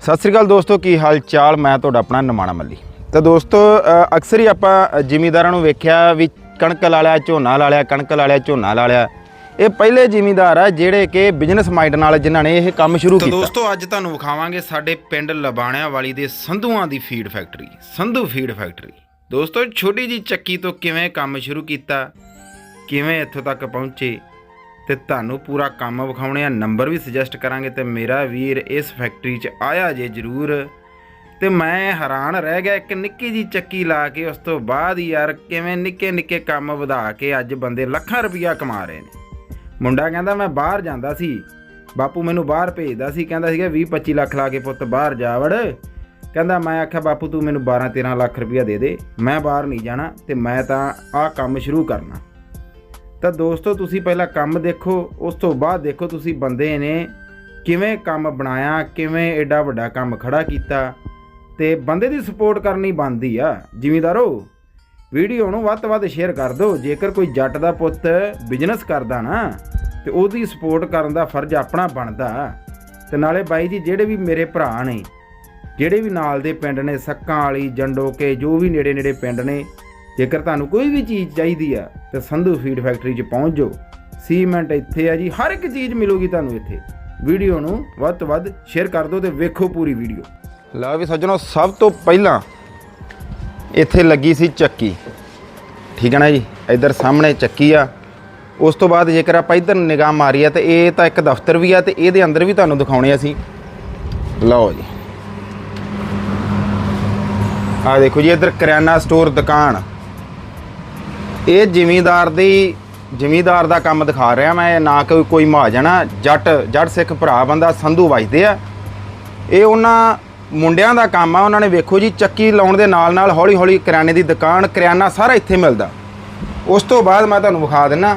सत श्री अकाल दोस्तों, की हाल चाल। मैं तुहाडा अपना निमाणा मल्ली। तो दोस्तों अक्सर ही आपां जिमीदारां नूं वेख्या भी कणक ला लिया, झोना ला लिया, कणक ला लिया, झोना ला लिया। ये पहले जिमीदार आ जिहड़े कि बिजनेस माइंड नाल जिन्हां ने यह काम शुरू कीता। दोस्तों अज तुहानूं विखावांगे साडे पिंड लबाणिया वाली दे संधूआं दी feed factory, Sandhu feed factory. दोस्तों छोटी जी चक्की तो किवें काम शुरू कीता, किवें इत्थों तक पहुंचे ते तुहानूं पूरा काम विखाउणे आ। नंबर भी सुजैसट करांगे। तो मेरा वीर इस फैक्टरी च आया जे जरूर। तो मैं हैरान रह गया, एक निक्की जी चक्की ला के उस तो बाद ही यार किवें निक्के निक्के काम वधा के अज बंदे लाखां रुपया कमा रहे ने। मुंडा कहंदा मैं बाहर जांदा सी, बापू मैनूं बाहर भेजदा सी, कहंदा सीगा 20-25 लाख ला के पुੱਤ बाहर जा वड़। कहंदा मैं आख्या बापू तू मैनूं 12-13 लाख रुपया दे दे, मैं बाहर नहीं जाना ते मैं तां आ काम शुरू करना। तो दोस्तों तुसी पहला काम देखो, उस तो बाद देखो तुसी बंदे ने किवें काम बनाया, किवें एडा वड्डा काम खड़ा कीता। ते बंदे दी सपोर्ट करनी बनदी आ। जिमीदारो वीडियो नूं वध तो वध शेयर कर दो। जेकर कोई जट दा पुੱਤ बिजनेस करदा ना ते ओहदी सपोर्ट करन दा फर्ज अपना बनदा। ते नाले बाई जी जिहड़े भी मेरे भरा ने, जिहड़े भी नाल दे पिंड ने, सक्कां वाली, जंडोके, जो भी नेड़े नेड़े पिंड ने, जेकर तुहानूं कोई भी चीज़ चाहिदी आ तो संधू फीड फैक्टरी च पहुँच जाओ। सीमेंट इत्थे है जी, हर एक चीज़ मिलूगी तुहानूं इत्थे। वीडियो नूं वध तो वध शेयर कर दो तो वेखो पूरी वीडियो। लो भी सज्जनों, सब तो पहला इत्थे लगी सी चक्की, ठीक है ना जी। इधर सामने चक्की आ। उस तो बाद जेकर आप इधर निगाह मारी है तो ये तो एक दफ्तर भी आ, तो ये अंदर भी तुहानूं दिखाउणे असीं। लो जी आ देखो जी, इधर करियाना स्टोर दुकान। ये जिमीदार दा काम दिखा रहा मैं, ना कोई महाजन आ। जट सिख भरा बंदा संधू वजदे आ। ये उन्हां मुंडियां दा काम आ। उन्होंने वेखो जी चक्की लाउण दे नाल नाल हौली हौली करियाने दी दुकान, करियाना सारा इत्थे मिलदा। उस तो बाद मैं तुहानूं विखा दिना।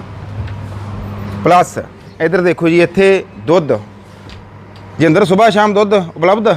प्लस इधर देखो जी, इत्थे दुध जिंदर सुबह शाम दुध उपलब्ध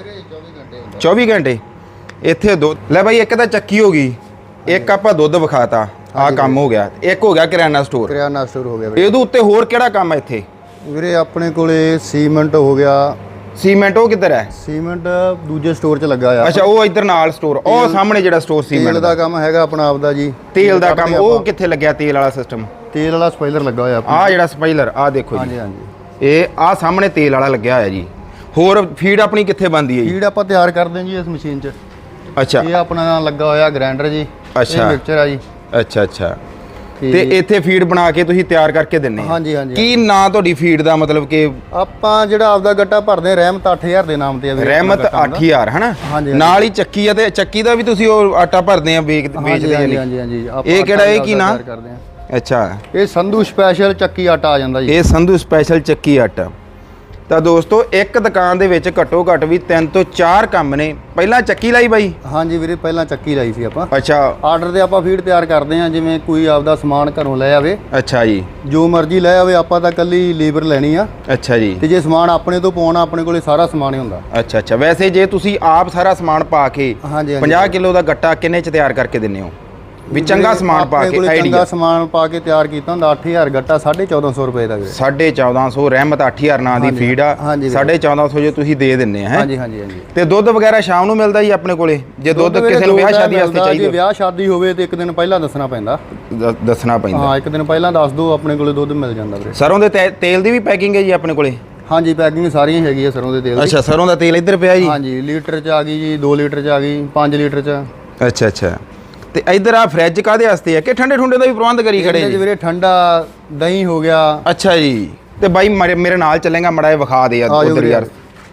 24 घंटे इत्थे दुध। ले भाई, एक तो चक्की हो गई, एक आपां दुध विखाता, आ काम हो गया। एक हो गया करियाना स्टोर हो गया। ਇਹਦੇ ਉੱਤੇ ਹੋਰ ਕਿਹੜਾ ਕੰਮ ਹੈ ਇੱਥੇ ਵੀਰੇ? ਆਪਣੇ ਕੋਲੇ ਸੀਮੈਂਟ ਹੋ ਗਿਆ। ਸੀਮੈਂਟ ਉਹ ਕਿੱਧਰ ਹੈ? ਸੀਮੈਂਟ ਦੂਜੇ ਸਟੋਰ 'ਚ ਲੱਗਾ ਆ। ਅੱਛਾ, ਉਹ ਇੱਧਰ ਨਾਲ ਸਟੋਰ, ਉਹ ਸਾਹਮਣੇ ਜਿਹੜਾ ਸਟੋਰ ਸੀਮੈਂਟ ਤੇਲ ਦਾ ਕੰਮ ਹੈਗਾ ਆਪਣਾ ਆਪ ਦਾ ਜੀ। ਤੇਲ ਦਾ ਕੰਮ ਉਹ ਕਿੱਥੇ ਲੱਗਿਆ? ਤੇਲ ਵਾਲਾ ਸਿਸਟਮ, ਤੇਲ ਵਾਲਾ ਸਪਾਇਲਰ ਲੱਗਾ ਹੋਇਆ ਆਪਣਾ। ਆ ਜਿਹੜਾ ਸਪਾਇਲਰ ਆ ਦੇਖੋ ਜੀ। ਹਾਂਜੀ ਹਾਂਜੀ, ਇਹ ਆ ਸਾਹਮਣੇ ਤੇਲ ਵਾਲਾ ਲੱਗਿਆ ਹੋਇਆ ਜੀ। ਹੋਰ ਫੀਡ ਆਪਣੀ ਕਿੱਥੇ ਬਣਦੀ ਹੈ ਜੀ? ਫੀਡ ਆਪਾਂ ਤਿਆਰ ਕਰਦੇ ਹਾਂ ਜੀ ਇਸ ਮਸ਼ੀਨ 'ਚ। ਅੱਛਾ, ਇਹ ਆਪਣਾ ਲੱਗਾ ਹੋਇਆ ਗ੍ਰਾਈਂਡਰ ਜੀ। ਅੱਛਾ, ਮਿਕਸਚਰ ਆ ਜੀ। ਅੱਛਾ ਅੱਛਾ। ਤੇ ਇੱਥੇ ਫੀਡ ਬਣਾ ਕੇ ਤੁਸੀਂ ਤਿਆਰ ਕਰਕੇ ਦਿੰਨੇ ਆ? ਹਾਂਜੀ ਹਾਂਜੀ। ਕੀ ਨਾਂ ਤੁਹਾਡੀ ਫੀਡ ਦਾ? ਮਤਲਬ ਕਿ ਆਪਾਂ ਜਿਹੜਾ ਆਪਦਾ ਗੱਟਾ ਭਰਦੇ ਆ, ਰਹਿਮਤ 8000 ਦੇ ਨਾਮ ਤੇ ਆ ਵੀਰੇ। ਰਹਿਮਤ 8000 ਹਨਾ। ਹਾਂਜੀ। ਨਾਲ ਹੀ ਚੱਕੀ ਆ, ਤੇ ਚੱਕੀ ਦਾ ਵੀ ਤੁਸੀਂ ਉਹ ਆਟਾ ਭਰਦੇ ਆ, ਵੇਚਦੇ ਆ? ਹਾਂਜੀ ਹਾਂਜੀ ਹਾਂਜੀ। ਇਹ ਕਿਹੜਾ, ਇਹ ਕੀ ਨਾਂ? ਕਰਦੇ ਆ। ਅੱਛਾ, ਇਹ ਸੰਧੂ ਸਪੈਸ਼ਲ ਚੱਕੀ ਆਟਾ ਆ ਜਾਂਦਾ ਜੀ। ਇਹ ਸੰਧੂ ਸਪੈਸ਼ਲ ਚੱਕੀ ਆਟਾ। ਤਾਂ ਦੋਸਤੋ ਇੱਕ ਦੁਕਾਨ ਦੇ ਵਿੱਚ ਘੱਟੋ ਘੱਟ ਵੀ 3 ਤੋਂ 4 ਕੰਮ ਨੇ। ਪਹਿਲਾਂ ਚੱਕੀ ਲਾਈ ਬਾਈ? ਹਾਂਜੀ ਵੀਰੇ, ਪਹਿਲਾਂ ਚੱਕੀ ਲਾਈ ਸੀ ਆਪਾਂ। ਅੱਛਾ। ਆਰਡਰ ਤੇ ਆਪਾਂ ਫੀਡ ਤਿਆਰ ਕਰਦੇ ਹਾਂ, ਜਿਵੇਂ ਕੋਈ ਆਪਦਾ ਸਮਾਨ ਘਰੋਂ ਲੈ ਆਵੇ। ਅੱਛਾ ਜੀ। ਜੋ ਮਰਜ਼ੀ ਲੈ ਆਵੇ, ਆਪਾਂ ਤਾਂ ਕੱਲੀ ਲੇਬਰ ਲੈਣੀ ਆ। ਅੱਛਾ ਜੀ। ਤੇ ਜੇ ਸਮਾਨ ਆਪਣੇ ਤੋਂ ਪਾਉਣਾ, ਆਪਣੇ ਕੋਲੇ ਸਾਰਾ ਸਮਾਨ ਹੀ ਹੁੰਦਾ। ਅੱਛਾ ਅੱਛਾ। ਵੈਸੇ ਜੇ ਤੁਸੀਂ ਆਪ ਸਾਰਾ ਸਮਾਨ ਪਾ ਕੇ 50 ਕਿਲੋ ਦਾ ਗੱਟਾ ਕਿੰਨੇ ਚ ਤਿਆਰ ਕਰਕੇ ਦਿੰਦੇ ਹੋ? ਵੀ ਚੰਗਾ ਸਮਾਨ ਪਾ ਕੇ ਆਈਡੀਆ ਚੰਗਾ ਸਮਾਨ ਪਾ ਕੇ ਤਿਆਰ ਕੀਤਾ ਹੁੰਦਾ 8000 ਗੱਟਾ 1450 ਰੁਪਏ ਦਾ ਵੀਰੇ। 1450 ਰਹਿਮਤ 8000 ਨਾਂ ਦੀ ਫੀਡ ਆ। 1450 ਜੇ ਤੁਸੀਂ ਦੇ ਦਿੰਨੇ ਆ। ਹਾਂਜੀ ਹਾਂਜੀ ਹਾਂਜੀ। ਤੇ ਦੁੱਧ ਵਗੈਰਾ ਸ਼ਾਮ ਨੂੰ ਮਿਲਦਾ ਜੀ ਆਪਣੇ ਕੋਲੇ? ਜੇ ਦੁੱਧ ਕਿਸੇ ਨੂੰ ਵਿਆਹ ਸ਼ਾਦੀ ਵਾਸਤੇ ਚਾਹੀਦਾ, ਜੇ ਵਿਆਹ ਸ਼ਾਦੀ ਹੋਵੇ ਤੇ ਇੱਕ ਦਿਨ ਪਹਿਲਾਂ ਦੱਸਣਾ ਪੈਂਦਾ। ਦੱਸਣਾ ਪੈਂਦਾ। ਹਾਂ, ਇੱਕ ਦਿਨ ਪਹਿਲਾਂ ਦੱਸ ਦਿਓ, ਆਪਣੇ ਕੋਲੇ ਦੁੱਧ ਮਿਲ ਜਾਂਦਾ ਵੀਰੇ। ਸਰੋਂ ਦੇ ਤੇਲ ਦੀ ਵੀ ਪੈਕਿੰਗ ਹੈ ਜੀ ਆਪਣੇ ਕੋਲੇ? ਹਾਂਜੀ, ਪੈਕਿੰਗ ਸਾਰੀਆਂ ਹੈਗੀ ਆ ਸਰੋਂ ਦੇ ਤੇਲ ਦੀ। ਅੱਛਾ, ਸਰੋਂ ਦਾ ਤੇਲ ਇੱਧਰ ਪਿਆ ਜੀ? ਹਾਂਜੀ, ਲੀਟਰ 'ਚ ਆ ਗਈ ਜੀ, 2 ਲੀਟਰ 'ਚ ਆ ਗਈ, 5 ਲੀਟਰ 'ਚ। ਅੱਛਾ ਅੱਛਾ। ਤੇ ਇਧਰ ਆ ਫ੍ਰਿਜ ਕਾਦੇ ਵਾਸਤੇ ਹੈ ਕਿ ਠੰਡੇ ਠੁੰਡੇ ਦਾ ਵੀ ਪ੍ਰਬੰਧ ਕਰੀ ਖੜੇ ਜੀ? ਵੀਰੇ ਠੰਡਾ ਦਹੀਂ ਹੋ ਗਿਆ। ਅੱਛਾ ਜੀ। ਤੇ ਬਾਈ ਮੇਰੇ ਨਾਲ ਚੱਲੇਗਾ, ਮੜਾ ਇਹ ਵਿਖਾ ਦੇ ਯਾਰ ਉਧਰ ਯਾਰ।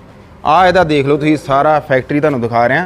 ਆ ਇਹਦਾ ਦੇਖ ਲਓ ਤੁਸੀਂ, ਸਾਰਾ ਫੈਕਟਰੀ ਤੁਹਾਨੂੰ ਦਿਖਾ ਰਿਹਾ।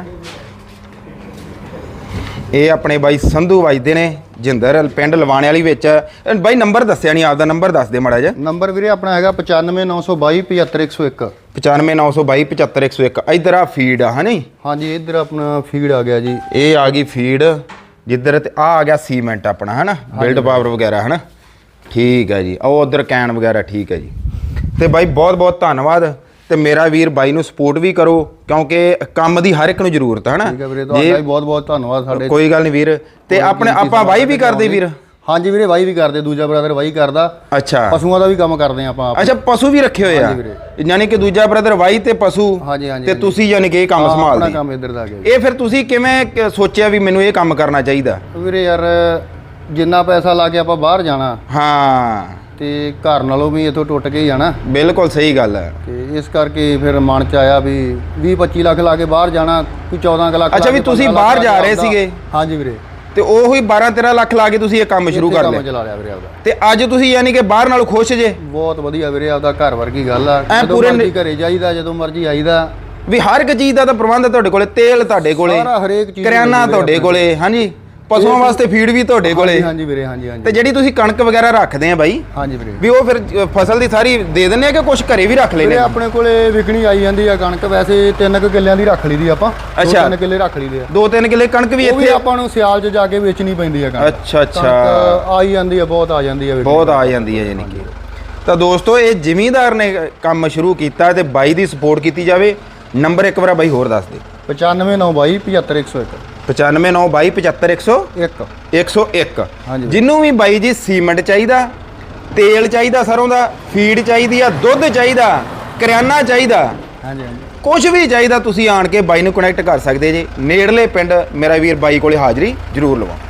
ਇਹ ਆਪਣੇ ਬਾਈ ਸੰਧੂ ਵਜਦੇ ਨੇ, ਜਿੰਦਰ ਪਿੰਡ ਲਵਾਣੇ ਵਾਲੀ ਵਿੱਚ। ਬਾਈ ਨੰਬਰ ਦੱਸਿਆ ਨਹੀਂ, ਆਪਦਾ ਨੰਬਰ ਦੱਸ ਦੇ ਮੜਾ ਜਿਹਾ। ਨੰਬਰ ਵੀਰੇ ਆਪਣਾ ਹੈਗਾ 9592 75101। 9592 75101। ਇਧਰ ਆ ਫੀਡ ਆ ਹਨੀ? ਹਾਂਜੀ, ਇੱਧਰ ਆਪਣਾ ਫੀਡ ਆ ਗਿਆ ਜੀ। ਇਹ ਆ ਗਈ ਫੀਡ ਜਿੱਧਰ, ਤੇ ਆ ਗਿਆ ਸੀਮੈਂਟ ਆਪਣਾ ਹਨਾ, ਬਿਲਡ ਪਾਵਰ ਵਗੈਰਾ ਹਨਾ। ਠੀਕ ਹੈ ਜੀ। ਉਹ ਉਧਰ ਕੈਨ ਵਗੈਰਾ। ਠੀਕ ਹੈ ਜੀ। ਤੇ ਬਾਈ ਬਹੁਤ ਬਹੁਤ ਧੰਨਵਾਦ। ਤੇ ਮੇਰਾ ਵੀਰ ਬਾਈ ਨੂੰ ਸਪੋਰਟ ਵੀ ਕਰੋ, ਕਿਉਂਕਿ ਕੰਮ ਦੀ ਹਰ ਇੱਕ ਨੂੰ ਜ਼ਰੂਰਤ ਹੈ ਨਾ। ਠੀਕ ਹੈ ਵੀਰੇ, ਤੁਹਾਡਾ ਵੀ ਬਹੁਤ ਬਹੁਤ ਧੰਨਵਾਦ। ਸਾਡੇ ਕੋਈ ਗੱਲ ਨਹੀਂ ਵੀਰ। ਤੇ ਆਪਣੇ ਆਪਾਂ ਵਾਈ ਵੀ ਕਰਦੇ ਵੀਰ? ਹਾਂਜੀ ਵੀਰੇ ਵਾਹੀ ਵੀ ਕਰਦੇ, ਦੂਜਾ ਬ੍ਰਦਰ ਵਾਹੀ ਕਰਦਾ। ਅੱਛਾ ਪਸ਼ੂਆਂ ਦਾ ਵੀ ਕੰਮ ਕਰਦੇ ਆ ਆਪਾਂ ਆਪ। ਅੱਛਾ ਪਸ਼ੂ ਵੀ ਰੱਖੇ ਹੋਏ ਆ, ਹਾਂਜੀ ਵੀਰੇ। ਯਾਨੀ ਕਿ ਦੂਜਾ ਬ੍ਰਦਰ ਵਾਈ ਤੇ ਪਸ਼ੂ ਹਾਂਜੀ ਹਾਂਜੀ ਤੇ ਤੁਸੀਂ ਯਾਨੀ ਕਿ ਇਹ ਕੰਮ ਆਪਣਾ ਸੰਭਾਲਦੇ। ਕੰਮ ਇੱਧਰ ਦਾ ਆ ਗਿਆ ਜੀ। ਇਹ ਫਿਰ ਤੁਸੀਂ ਕਿਵੇਂ ਸੋਚਿਆ ਵੀ ਮੈਨੂੰ ਇਹ ਕੰਮ ਕਰਨਾ ਚਾਹੀਦਾ? ਵੀਰੇ ਯਾਰ ਜਿੰਨਾ ਪੈਸਾ ਲਾ ਕੇ ਆਪਾਂ ਬਾਹਰ ਜਾਣਾ ਹਾਂ ਤੇ ਘਰ ਨਾਲੋਂ ਵੀ ਇੱਥੋਂ ਟੁੱਟ ਕੇ ਹੀ ਜਾਣਾ, ਬਿਲਕੁਲ ਸਹੀ ਗੱਲ ਹੈ। ਤੇ ਇਸ ਕਰਕੇ ਫਿਰ ਮਨ ਚ ਆਇਆ ਵੀ 20-25 ਲੱਖ ਲਾ ਕੇ ਬਾਹਰ ਜਾਣਾ, ਕੋਈ 14 ਲੱਖ ਲਾ ਅੱਛਾ ਵੀ ਕੇ ਤੁਸੀਂ 15 ਬਾਹਰ ਲੱਖ ਜਾ ਰਹੇ ਆਪਦਾ। ਸੀਗੇ ਹਾਂਜੀ ਵੀਰੇ, ਤੇ ਉਹੀ 12-13 ਲੱਖ ਲਾ ਕੇ ਤੁਸੀਂ ਇਹ ਕੰਮ ਸ਼ੁਰੂ ਕਰ ਕੰਮ ਲਿਆ ਚਲਾ ਲਿਆ ਵੀਰੇ ਆਪਦਾ। ਤੇ ਅੱਜ ਤੁਸੀਂ ਯਾਨੀ ਕਿ ਬਾਹਰ ਨਾਲੋਂ ਖੁਸ਼ ਜੇ? ਬਹੁਤ ਵਧੀਆ ਵੀਰੇ, ਆਪਦਾ ਘਰ ਵਰਗੀ ਗੱਲ ਆ। ਐਂ ਜਦੋਂ ਪੂਰੇ ਮਰਜ਼ੀ ਘਰੇ ਜਾਈਦਾ, ਜਦੋਂ ਮਰਜ਼ੀ ਆਈਦਾ। ਵੀ ਹਰ ਇੱਕ ਚੀਜ਼ ਦਾ ਤਾਂ ਪ੍ਰਬੰਧ ਹੈ ਤੁਹਾਡੇ ਕੋਲੇ, ਤੇਲ ਤੁਹਾਡੇ ਕੋਲੇ, ਸਾਰਾ ਹਰੇਕ ਚੀਜ਼ ਕਰਿਆਨਾ ਮਿਲਦੀ ਤੁਹਾਡੇ ਵੀਰੇ ਕੋਲੇ, ਹਾਂਜੀ ਪਸ਼ੂਆਂ ਵਾਸਤੇ ਫੀਡ ਵੀ ਤੁਹਾਡੇ ਕੋਲੇ। ਹਾਂਜੀ ਵੀਰੇ, ਹਾਂਜੀ ਹਾਂਜੀ ਤੇ ਜਿਹੜੀ ਤੁਸੀਂ ਕਣਕ ਵਗੈਰਾ ਰੱਖਦੇ ਆ ਬਾਈ, ਹਾਂਜੀ ਵੀਰੇ। ਵੀ ਉਹ ਫਿਰ ਫਸਲ ਦੀ ਸਾਰੀ ਦੇ ਦਿੰਦੇ ਆ ਕਿ ਕੁਝ ਘਰੇ ਵੀ ਰੱਖ ਲੈਂਦੇ ਵੀਰੇ ਆ? ਆਪਣੇ ਕੋਲੇ ਵਿਕਣੀ ਆਈ ਜਾਂਦੀ ਆ ਕਣਕ, ਵੈਸੇ 3 ਕਿੱਲਿਆਂ ਦੀ ਰੱਖ ਲਈਦੀ ਆਪਾਂ। ਅੱਛਾ। 2-3 ਕਿੱਲੇ ਰੱਖ ਲਈਦੇ ਆ। 2-3 ਕਿੱਲੇ ਕਣਕ ਵੀ ਉਹ ਵੀ ਇੱਥੇ? ਆਪਾਂ ਨੂੰ ਸਿਆਲ 'ਚ ਜਾ ਕੇ ਵੇਚਣੀ ਪੈਂਦੀ ਆ ਕਣਕ। ਅੱਛਾ ਅੱਛਾ, ਕਣਕ ਆਈ ਜਾਂਦੀ ਆ, ਬਹੁਤ ਆ ਜਾਂਦੀ ਆ ਵੀਰੇ। ਬਹੁਤ ਆ ਜਾਂਦੀ ਹੈ ਯਾਨੀ ਕਿ। ਤਾਂ ਦੋਸਤੋ ਇਹ ਜ਼ਿਮੀਂਦਾਰ ਨੇ ਕੰਮ ਸ਼ੁਰੂ ਕੀਤਾ ਤੇ ਬਾਈ ਦੀ ਸਪੋਰਟ ਕੀਤੀ ਜਾਵੇ। ਨੰਬਰ ਇੱਕ ਵਾਰ ਬਾਈ ਹੋਰ ਦੱਸ ਦੇ। 9592 75101 9592 75101 101। ਹਾਂਜੀ। ਜਿਹਨੂੰ ਵੀ ਬਾਈ ਜੀ ਸੀਮੈਂਟ ਚਾਹੀਦਾ, ਤੇਲ ਚਾਹੀਦਾ ਸਰੋਂ ਦਾ, ਫੀਡ ਚਾਹੀਦੀ ਆ, ਦੁੱਧ ਚਾਹੀਦਾ, ਕਰਿਆਨਾ ਚਾਹੀਦਾ, ਹਾਂਜੀ ਹਾਂਜੀ। ਕੁਝ ਵੀ ਚਾਹੀਦਾ, ਤੁਸੀਂ ਆਣ ਕੇ ਬਾਈ ਨੂੰ ਕਨੈਕਟ ਕਰ ਸਕਦੇ ਜੇ। ਨੇੜਲੇ ਪਿੰਡ ਮੇਰਾ ਵੀਰ ਬਾਈ ਕੋਲੇ ਹਾਜ਼ਰੀ ਜ਼ਰੂਰ ਲਵਾਓ।